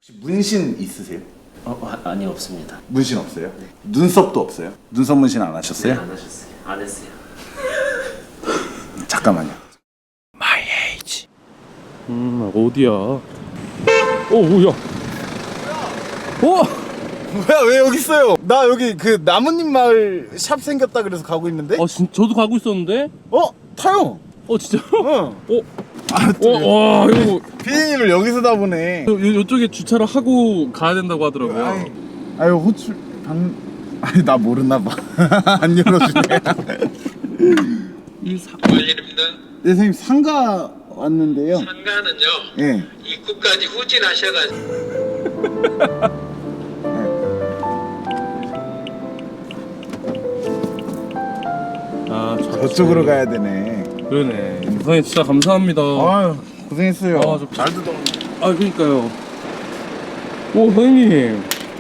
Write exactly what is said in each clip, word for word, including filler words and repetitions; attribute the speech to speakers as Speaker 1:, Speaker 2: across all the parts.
Speaker 1: 혹시 문신 있으세요?
Speaker 2: 어, 어, 아니 없습니다.
Speaker 1: 문신 없어요? 네. 눈썹도 없어요? 눈썹 문신 안 하셨어요?
Speaker 2: 네, 안 하셨어요. 안 했어요.
Speaker 1: 잠깐만요.
Speaker 3: My age. 음 어디야? 어 뭐야? 어?
Speaker 1: 뭐야 왜 여기 있어요? 나 여기 그 나뭇잎 마을 샵 생겼다 그래서 가고 있는데?
Speaker 3: 아 진 저도 가고 있었는데?
Speaker 1: 어? 타요!
Speaker 3: 어 진짜로?
Speaker 1: 어.
Speaker 3: 어?
Speaker 1: 아,
Speaker 3: 어, 와 이거
Speaker 1: 피디님을 여기서 다 보네.
Speaker 3: 요, 요쪽에 주차를 하고 가야 된다고 하더라고요.
Speaker 1: 아이, 아유 호출 방 아니 나 모르나 봐. 안 열어주네.
Speaker 3: 이 사...
Speaker 4: 관리입니다.
Speaker 1: 네 선생님 상가 왔는데요.
Speaker 4: 상가는요.
Speaker 1: 예.
Speaker 4: 입구까지 후진하셔가지고
Speaker 3: 아
Speaker 1: 저쪽으로 가야 되네.
Speaker 3: 그러네. 선생님 진짜 감사합니다.
Speaker 1: 아유 고생했어요.
Speaker 3: 아, 저-
Speaker 1: 잘 듣던.
Speaker 3: 아 그러니까요. 오 선생님. 네?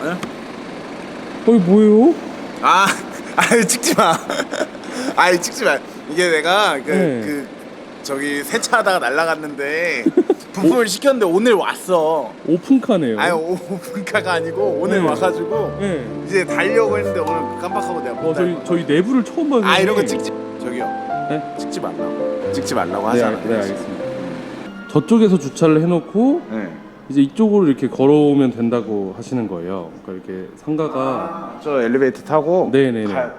Speaker 3: 어이 뭐예요?
Speaker 1: 아, 아유 찍지 마. 아유 찍지 마. 이게 내가 그,
Speaker 3: 네.
Speaker 1: 그 저기 세차하다가 날라갔는데 부품을 시켰는데 오늘 왔어.
Speaker 3: 오픈카네요.
Speaker 1: 아유 오픈카가 아니고 오늘
Speaker 3: 네.
Speaker 1: 와가지고
Speaker 3: 네.
Speaker 1: 이제 달려고 했는데 오늘 깜빡하고 내가 못
Speaker 3: 어 저희
Speaker 1: 달려.
Speaker 3: 저희 내부를 처음 봐요.
Speaker 1: 아 이런 거
Speaker 3: 선생님.
Speaker 1: 찍지 저기요.
Speaker 3: 네?
Speaker 1: 찍지 말라고. 찍지 말라고
Speaker 3: 네,
Speaker 1: 하잖아.
Speaker 3: 알- 네 알겠습니다. 저쪽에서 주차를 해놓고
Speaker 1: 네.
Speaker 3: 이제 이쪽으로 이렇게 걸어오면 된다고 하시는 거예요. 그러니까 이렇게 상가가
Speaker 1: 아, 저 엘리베이터 타고.
Speaker 3: 네네네.
Speaker 1: 가-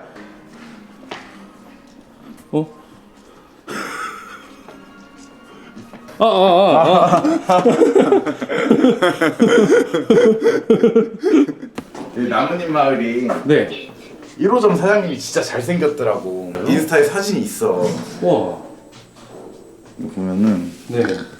Speaker 3: 어? 아, 아, 아, 아.
Speaker 1: 이 나뭇잎 마을이
Speaker 3: 네.
Speaker 1: 일 호점 사장님이 진짜 잘생겼더라고. 인스타에 사진이 있어.
Speaker 3: 와.
Speaker 1: 이거 보면은
Speaker 3: 네.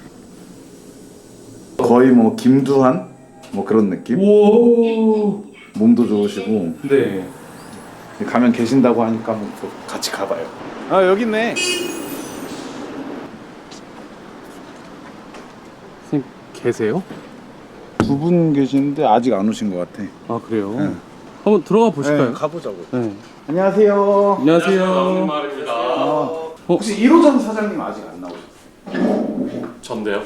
Speaker 1: 거의 뭐 김두한 뭐 그런 느낌?
Speaker 3: 오.
Speaker 1: 몸도 좋으시고
Speaker 3: 네.
Speaker 1: 가면 계신다고 하니까 한번 또 같이 가봐요. 아 여기 있네.
Speaker 3: 선생님 계세요?
Speaker 1: 두 분 계시는데 아직 안 오신 것 같아.
Speaker 3: 아 그래요?
Speaker 1: 네.
Speaker 3: 한번 들어가 보실까요?
Speaker 1: 네, 가보자고.
Speaker 3: 네.
Speaker 1: 안녕하세요.
Speaker 3: 안녕하세요.
Speaker 2: 말입니다.
Speaker 1: 아, 혹시 일 호점 사장님 아직 안 나오셨어요?
Speaker 2: 전데요.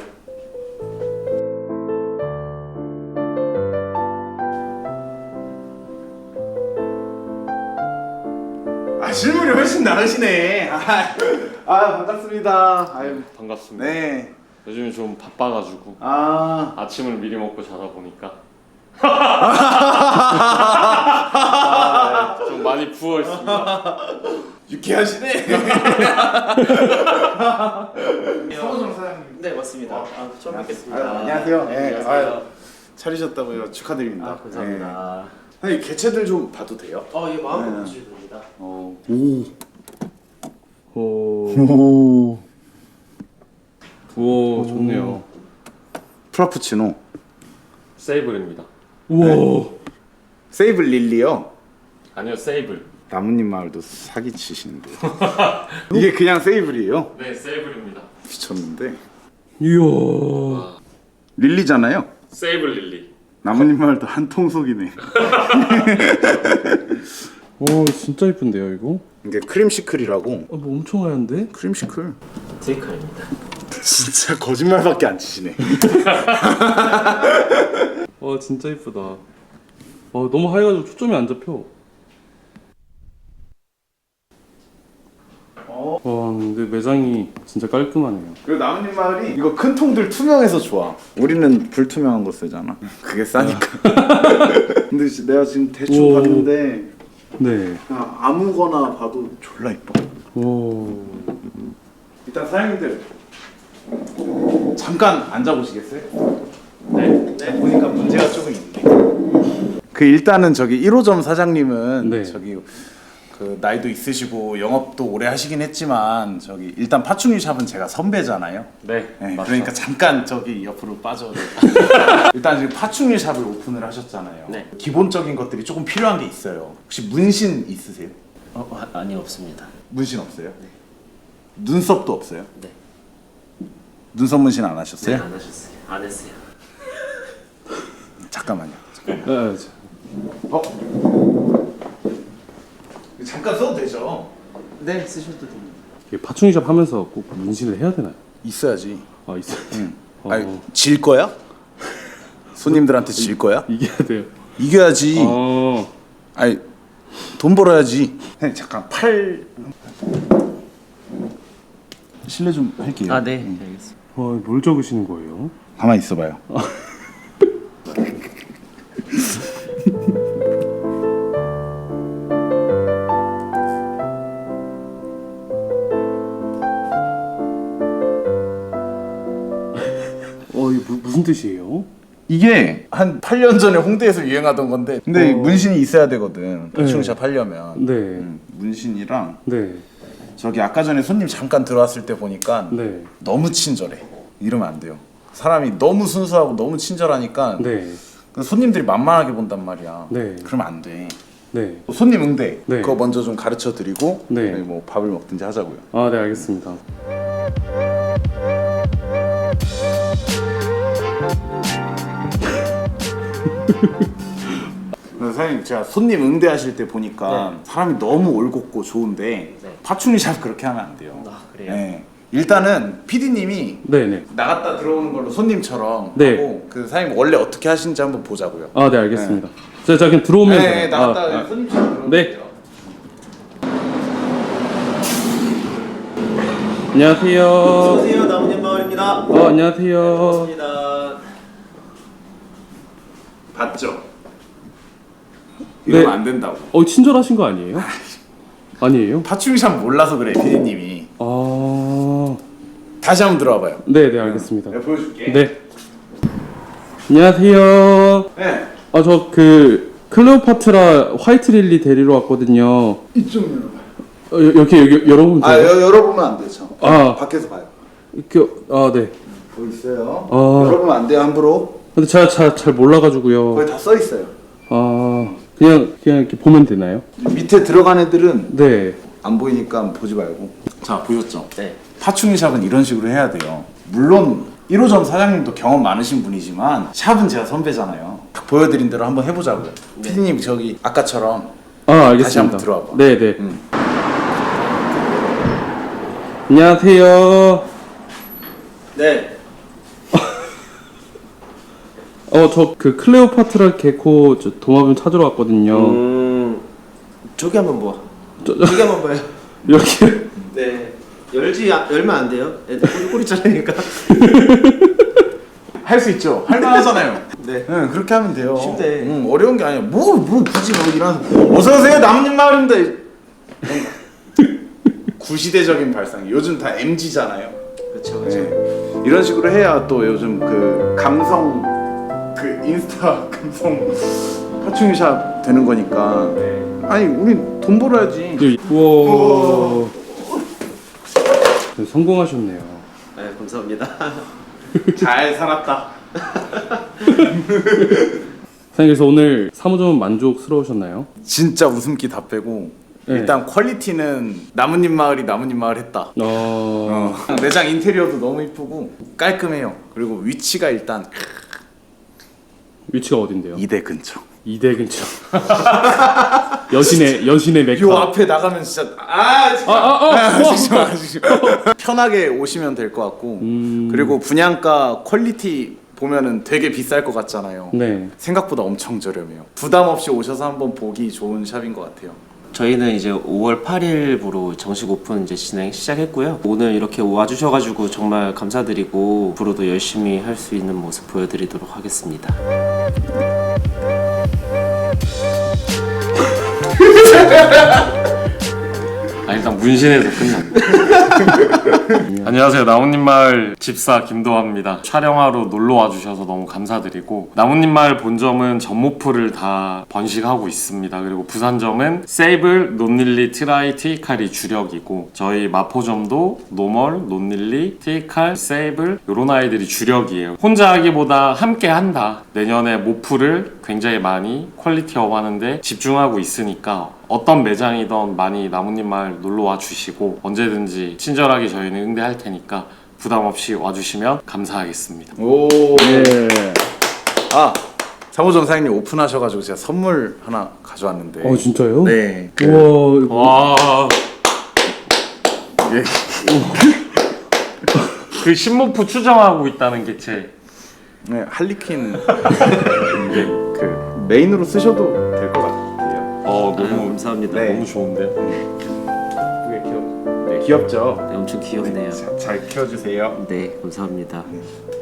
Speaker 1: 아 실물이 훨씬 나으시네. 아, 아 반갑습니다. 아유
Speaker 2: 반갑습니다.
Speaker 1: 네.
Speaker 2: 요즘에 좀 바빠가지고
Speaker 1: 아
Speaker 2: 아침을 미리 먹고 자다 보니까 아, 네, 좀 많이 부어 있습니다.
Speaker 1: 유쾌하시네. 서호정 사장님.
Speaker 2: 네 맞습니다. 아, 처음 뵙겠습니다.
Speaker 1: 아유, 안녕하세요. 네.
Speaker 2: 안녕하세요.
Speaker 1: 아유, 차리셨다고요. 축하드립니다.
Speaker 2: 아, 감사합니다.
Speaker 1: 네. 아니 개체들 좀 봐도 돼요?
Speaker 2: 어, 예 마음껏
Speaker 1: 네.
Speaker 2: 보셔도 됩니다.
Speaker 1: 어. 오.
Speaker 3: 오.
Speaker 1: 오.
Speaker 3: 오 좋네요.
Speaker 1: 프라푸치노.
Speaker 2: 세이블입니다.
Speaker 3: 우와.
Speaker 1: 세이블 릴리요.
Speaker 2: 아니요 세이블.
Speaker 1: 나뭇잎 마을도 사기 치시는데. 이게 그냥 세이블이에요?
Speaker 2: 네 세이블입니다.
Speaker 1: 미쳤는데.
Speaker 3: 이야.
Speaker 1: 릴리잖아요.
Speaker 2: 세이블 릴리.
Speaker 1: 나뭇잎 마을도 한 통속이네.
Speaker 3: 오 진짜 이쁜데요 이거?
Speaker 1: 이게 크림시클이라고.
Speaker 3: 아, 뭐 엄청 하얀데?
Speaker 1: 크림시클.
Speaker 2: 데이칼입니다.
Speaker 1: 진짜 거짓말밖에 안 치시네.
Speaker 3: 와 진짜 이쁘다. 와 너무 하얘가지고 초점이 안 잡혀. 와 근데 매장이 진짜 깔끔하네요.
Speaker 1: 그리고 나뭇잎 마을이 이거 큰 통들 투명해서 좋아. 우리는 불투명한 거 쓰잖아. 그게 싸니까. 근데 지- 내가 지금 대충
Speaker 3: 오.
Speaker 1: 봤는데
Speaker 3: 네.
Speaker 1: 그냥 아무거나 봐도 졸라 이뻐.
Speaker 3: 오.
Speaker 1: 일단 사장님들 잠깐 앉아보시겠어요?
Speaker 2: 네.
Speaker 1: 네. 보니까 문제가 조금 있네. 그 일단은 저기 일 호점 사장님은
Speaker 3: 네.
Speaker 1: 저기 그 나이도 있으시고 영업도 오래 하시긴 했지만 저기 일단 파충류 샵은 제가 선배잖아요.
Speaker 2: 네.
Speaker 1: 네,
Speaker 2: 맞죠.
Speaker 1: 그러니까 잠깐 저기 옆으로 빠져. 일단 지금 파충류 샵을 오픈을 하셨잖아요.
Speaker 2: 네.
Speaker 1: 기본적인 것들이 조금 필요한 게 있어요. 혹시 문신 있으세요?
Speaker 2: 어, 어, 아니 없습니다.
Speaker 1: 문신 없어요? 눈썹도 없어요?
Speaker 2: 네.
Speaker 1: 눈썹 문신 안
Speaker 2: 네,
Speaker 1: 하셨어요?
Speaker 2: 안 하셨어요. 안 했어요.
Speaker 1: 잠깐만요.
Speaker 3: 아, 저-
Speaker 1: 어? 잠깐 써도 되죠?
Speaker 2: 네 쓰셔도 됩니다.
Speaker 3: 이게 파충류샵 하면서 꼭 문신을 해야 되나요?
Speaker 1: 있어야지.
Speaker 3: 아 있어요.
Speaker 1: 응.
Speaker 3: 어.
Speaker 1: 아니 질 거야? 손님들한테 질 거야?
Speaker 3: 이겨야 돼요.
Speaker 1: 이겨야지.
Speaker 3: 어.
Speaker 1: 아니 돈 벌어야지. 형님 잠깐 팔 실례 좀 할게요.
Speaker 4: 아, 네. 알겠습니다.
Speaker 3: 어, 뭘 적으시는 거예요?
Speaker 1: 가만히 있어봐요.
Speaker 3: 어, 이게 무, 무슨 뜻이에요?
Speaker 1: 이게 한 팔 년 전에 홍대에서 유행하던 건데 근데
Speaker 3: 어.
Speaker 1: 문신이 있어야 되거든. 파충샵 하려면.
Speaker 3: 네.
Speaker 1: 음, 문신이랑
Speaker 3: 네.
Speaker 1: 저기 아까 전에 손님 잠깐 들어왔을 때 보니까
Speaker 3: 네.
Speaker 1: 너무 친절해. 이러면 안 돼요. 사람이 너무 순수하고 너무 친절하니까
Speaker 3: 네.
Speaker 1: 그 손님들이 만만하게 본단 말이야.
Speaker 3: 네.
Speaker 1: 그러면 안 돼.
Speaker 3: 네.
Speaker 1: 손님 응대
Speaker 3: 네.
Speaker 1: 그거 먼저 좀 가르쳐 드리고
Speaker 3: 네.
Speaker 1: 뭐 밥을 먹든지 하자고요.
Speaker 3: 아, 네, 알겠습니다.
Speaker 1: 사장님 제가 손님 응대하실 때 보니까 사람이 너무 올곧고 좋은데
Speaker 4: 네.
Speaker 1: 파충류샵 그렇게 하면 안 돼요.
Speaker 4: 아, 그래요?
Speaker 1: 네. 일단은 피디님이
Speaker 3: 네, 네.
Speaker 1: 나갔다 들어오는 걸로 손님처럼
Speaker 3: 네.
Speaker 1: 하고 그 사장님 원래 어떻게 하시는지 한번 보자고요.
Speaker 3: 아, 네, 알겠습니다. 자, 자, 그냥 들어오면
Speaker 1: 네,
Speaker 3: 돼요.
Speaker 1: 나갔다
Speaker 3: 아, 아.
Speaker 1: 손님처럼 들어오면
Speaker 3: 네.
Speaker 1: 돼요.
Speaker 3: 안녕하세요.
Speaker 4: 안녕하세요. 나무님 마을입니다.
Speaker 3: 어, 안녕하세요.
Speaker 4: 반갑습니다.
Speaker 1: 봤죠? 이러면
Speaker 3: 네.
Speaker 1: 안 된다고.
Speaker 3: 어, 친절하신 거 아니에요? 아니에요?
Speaker 1: 파충류샵 몰라서 그래 피디님이.
Speaker 3: 아,
Speaker 1: 다시 한번 들어와봐요.
Speaker 3: 네, 네, 알겠습니다.
Speaker 1: 내가 보여줄게.
Speaker 3: 네. 안녕하세요.
Speaker 1: 네.
Speaker 3: 아, 저 그 클레오파트라 화이트 릴리 데리러 왔거든요.
Speaker 1: 이쪽 열어봐요.
Speaker 3: 어, 여- 이렇게 여기 열어보면 돼요?
Speaker 1: 아 여, 열어보면 안 되죠.
Speaker 3: 아.
Speaker 1: 밖에서 봐요.
Speaker 3: 이렇게, 아, 네.
Speaker 1: 거기 있어요.
Speaker 3: 아.
Speaker 1: 열어보면 안 돼요 함부로.
Speaker 3: 근데 제가 잘, 잘 몰라가지고요.
Speaker 1: 거기 다 써 있어요.
Speaker 3: 아, 그냥, 그냥 이렇게 보면 되나요?
Speaker 1: 밑에 들어간 애들은
Speaker 3: 네.
Speaker 1: 안 보이니까 보지 말고. 자 보셨죠?
Speaker 4: 네.
Speaker 1: 파충류샵은 이런 식으로 해야 돼요. 물론 일 호점 사장님도 경험 많으신 분이지만 샵은 제가 선배잖아요. 딱 보여드린 대로 한번 해보자고요. 피디님 저기 아까처럼
Speaker 3: 아, 알겠습니다.
Speaker 1: 다시 한번 들어와봐.
Speaker 3: 네, 네.
Speaker 1: 음.
Speaker 3: 안녕하세요.
Speaker 4: 네.
Speaker 3: 어, 저 그 클레오파트라 개코 저 도마뱀 찾으러 왔거든요.
Speaker 4: 음. 저기 한번 봐.
Speaker 3: 저-
Speaker 4: 저기 한번 봐요.
Speaker 3: 이렇게.
Speaker 4: 네. 열지 아, 열면 안 돼요. 애들 꼬리 꼬리 자르니까.
Speaker 1: 할 수 있죠. 할만하잖아요.
Speaker 4: 네.
Speaker 1: 응, 그렇게 하면 돼요.
Speaker 4: 쉽대.
Speaker 1: 응, 어려운 게 아니야. 뭐, 뭐 굳이 뭐 이런. 어서 오세요, 나뭇잎 마을입니다. 구시대적인 발상. 요즘 다 엠지잖아요.
Speaker 4: 그렇죠. 그렇죠.
Speaker 1: 네. 이런 식으로 해야 또 요즘 그 감성, 그 인스타 감성 파충류샵 되는 거니까.
Speaker 4: 네.
Speaker 1: 아니, 우린 돈 벌어야지.
Speaker 3: 우와. 네, 성공하셨네요.
Speaker 4: 네, 감사합니다.
Speaker 1: 잘 살았다.
Speaker 3: 사장님, 그래서 오늘 사무점은 만족스러우셨나요?
Speaker 1: 진짜 웃음기 다 빼고.
Speaker 3: 네.
Speaker 1: 일단 퀄리티는 나뭇잎 마을이 나뭇잎 마을 했다.
Speaker 3: 어.
Speaker 1: 어. 매장 인테리어도 너무 이쁘고 깔끔해요. 그리고 위치가 일단
Speaker 3: 위치가 어딘데요?
Speaker 1: 이대 근처.
Speaker 3: 이대 근처. 여신의 여신의 메카.
Speaker 1: 요 앞에 나가면 진짜 아
Speaker 3: 아, 아, 아.
Speaker 1: 하시지 마, 하시지 마. 편하게 오시면 될 것 같고
Speaker 3: 음.
Speaker 1: 그리고 분양가 퀄리티 보면은 되게 비쌀 것 같잖아요.
Speaker 3: 네.
Speaker 1: 생각보다 엄청 저렴해요. 부담 없이 오셔서 한번 보기 좋은 샵인 것 같아요.
Speaker 4: 저희는 이제 오월 팔일부로 정식 오픈 이제 진행 시작했고요. 오늘 이렇게 와주셔가지고 정말 감사드리고 앞으로도 열심히 할 수 있는 모습 보여드리도록 하겠습니다.
Speaker 2: 아 일단 문신에서 끝났네. 안녕하세요. 나뭇잎 마을 집사 김도화입니다. 촬영하러 놀러 와주셔서 너무 감사드리고 나뭇잎 마을 본점은 전모프를 다 번식하고 있습니다. 그리고 부산점은 세이블, 논릴리, 트라이, 티이칼이 주력이고 저희 마포점도 노멀, 논릴리, 티이칼, 세이블 이런 아이들이 주력이에요. 혼자 하기보다 함께 한다. 내년에 모프를 굉장히 많이 퀄리티업 하는데 집중하고 있으니까 어떤 매장이든 많이 나뭇잎 마을 놀러 와 주시고 언제든지 친절하게 저희는 응대할 테니까 부담 없이 와주시면 감사하겠습니다.
Speaker 1: 오.
Speaker 3: 네.
Speaker 1: 아 사무점 사장님 오픈하셔가지고 제가 선물 하나 가져왔는데.
Speaker 3: 어, 진짜요?
Speaker 1: 네. 그,
Speaker 3: 우와. 이거-
Speaker 2: 와.
Speaker 1: 예.
Speaker 2: 그 신모프 추정하고 있다는 게 제
Speaker 1: 네, 할리퀸 이제 그 메인으로 쓰셔도 될 것 같아요.
Speaker 2: 어
Speaker 4: 아유,
Speaker 2: 너무
Speaker 4: 감사합니다.
Speaker 1: 네.
Speaker 2: 너무 좋은데요.
Speaker 1: 그게 귀엽, 네, 귀엽죠?
Speaker 4: 네, 엄청 귀엽네요.
Speaker 1: 자, 잘 키워주세요.
Speaker 4: 네, 감사합니다.